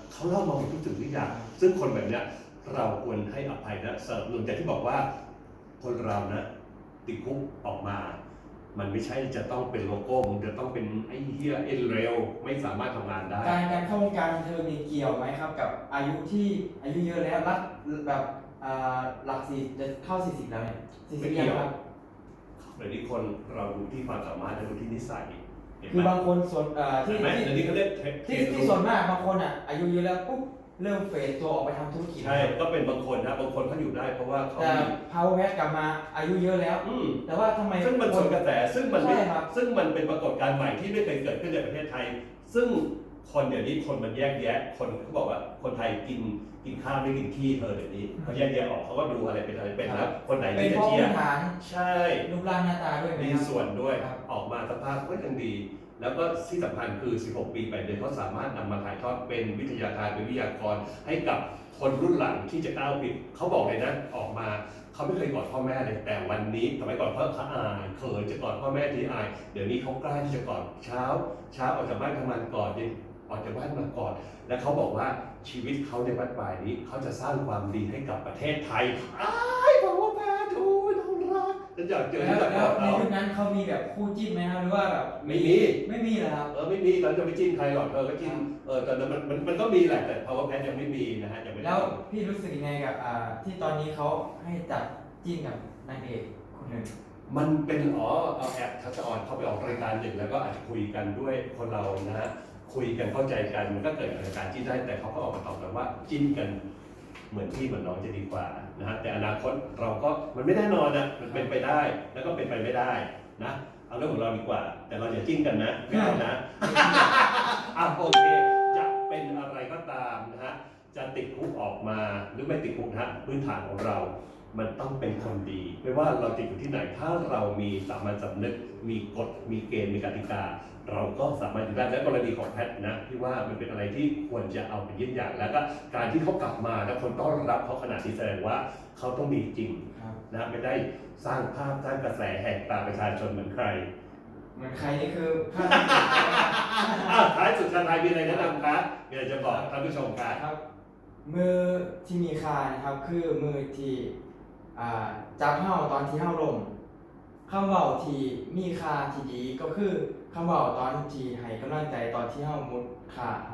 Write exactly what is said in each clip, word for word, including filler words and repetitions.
เขาเล่ามาหมดทุกสิ่งทุกอย่างซึ่งคนแบบเนี้ยเราควรให้อภัยและสนับสนุนแต่ที่บอกว่าคนเรานะติดคุกออกมามันไม่ใช่จะต้องเป็นโลโก้มันจะต้องเป็นไอ้เหี้ยเอ็นเร็วไม่สามารถทำงานได้การการเข้าวงการบันเทิงนี่เกี่ยวไหมครับกับอายุที่อายุเยอะแล้วรักแบบอ่าหลักสี่จะเข้าสี่สิบแล้วเนี่ยสี่สิบยังครับเดี๋ยวนี้คนเราดูที่ความสามารถและดูที่นิสัยเห็นไหมคือบางคนส่วนเอ่อที่เห็นไหมที่เดี๋ยวนี้เขาเรียกที่ที่ส่วนมากบางคนอ่ะอายุเยอะแล้วปุ๊บเริ่มเฟดตัวออกไปทำธุรกิจใช่ก็เป็นบางคนนะบางคนเขาอยู่ได้เพราะว่าเขาแต่มี power pad กลับมาอายุเยอะแล้วอืมแต่ว่าทำไมซึ่งมันสวนกระแสซึ่งมันไม่ใช่ครับซึ่งมันเป็นปรากฏการณ์ใหม่ที่ไม่เคยเกิดขึ้นในประเทศไทย ซึ่งคนเดี๋ยวนี้คนมันแยกแยะคนเขาบอกว่าคนไทยกินกินข้าวไม่กินขี้เธอเดี๋ยวนี้เขาแยกแยะออกเขาก็ดูอะไรเป็นอะไรเป็นแล้วคนไหนเป็นที่จะเพราะเชียพื้ร์นฐานใช่รูปร่างหน้าตาด้วยไหมมีครับส่วนด้วยครับออกมาสภาพก็ยังดี แล้วก็ที่สำคัญคือ สิบหก ปีแปดเดือนเขาสามารถนำมาถ่ายทอดเป็นวิทยาการเป็นวิทยากรให้กับคนรุ่นหลังที่จะก้าวผิดเขาบอกเลยนะออกมาเขาไม่เคยกอดพ่อแม่เลยแต่วันนี้สมัยก่อนเขาเขาอายเขินจะกอดพ่อแม่ทีอายเดี๋ยวนี้เขากล้าที่จะกอดเช้า เช้าออกจากบ้านทำงานก่อนเย็นออกจากบ้านมากอดและเขาบอกว่าชีวิตเขาในบ้านปลายนี้เขาจะสร้างความดีให้กับประเทศไทยอ้ายบอกว่าแม่ทูน้องรักฉันอยากเจอแล้วที่จะกแล้อวดในเขายุคนั้นเขามีแบบคู่จิ้นไหมครับหรือว่าแบบไม่มีไม่มีเหรอครับเออไม่มีเราจะไปจิ้นใครหรอกเธอก็จิ้นเออแต่มันมันมันก็มีแหละแต่ power pad ยังไม่มีนะฮะยังไม่ได้แล้วพี่รู้สึกยังไงกับอ่าที่ตอนนี้เขาให้จับจิ้นกับนางเอกคนหนึ่งมันเป็นอ๋อเอาแอบทัชออนเข้าไปออกรายการหนึ่งแล้วก็อาจจะคุยกันด้วยคนเรานะฮะคุยกันเข้าใจกันมันก็เกิดรายการจิ้นได้แต่เขาก็ออกมาตอบกันว่าจิ้นกันเหมือนพี่เหมือนน้องจะดีกว่านะฮะแต่อนาคตเราก็มันไม่แน่นอนนะมันเป็นไปได้แล้วก็เป็นไปไม่ได้นะเอาเรื่องของเราดีกว่า แต่เราอย่าจิ้นกันนะไม่เอานะ อ่ะโอเคจะเป็นอะไรก็ตามนะฮะจะติดคุกออกมาหรือไม่ติดคุกนะฮะพื้นฐานของเรา มันต้องเป็นคนดี ไม่ว่าเราจะอยู่ที่ไหนถ้าเรามีสามัญสำนึกมีกฎมีเกณฑ์มีกติกา เราก็สามารถอยู่ได้และกรณีของแพทย์นะที่ว่ามันเป็นอะไรที่ควรจะเอาเป็นเยี่ยงอย่างแล้วก็การที่เขากลับมาแล้วคนต้อนรับเขาขนาดนี้แสดงว่าเขาต้องดีจริงครับนะไม่ได้สร้างภาพสร้างกระแสแหกตาประชาชนเหมือนใครเหมือนใครนี่คือภาพที่สุดท้ายนะครับอ้าวท้ายสุดชาไทยมีอะไรแนะนำครับมีอะไรจะบอกท่านผู้ชมครับครับ มือที่มีคานะครับคือมือที่อ่าจับเห่าตอนที่เห่าลมคำเว่าที่มีคาที่ดีก็คือคำเว่าตอนที่ให้กำลังใจตอนที่เห่ามุดคาครับ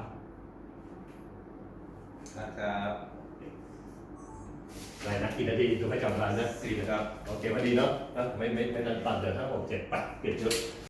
นะครับอะไรนะกี่นาทีดูให้จำร้านนะสี่ครับโอเควันดีเนาะอ่ะไม่ไม่ไม่นานตัดเดี๋ยวถ้าผมเจ็ดปัดเปลี่ยนชุด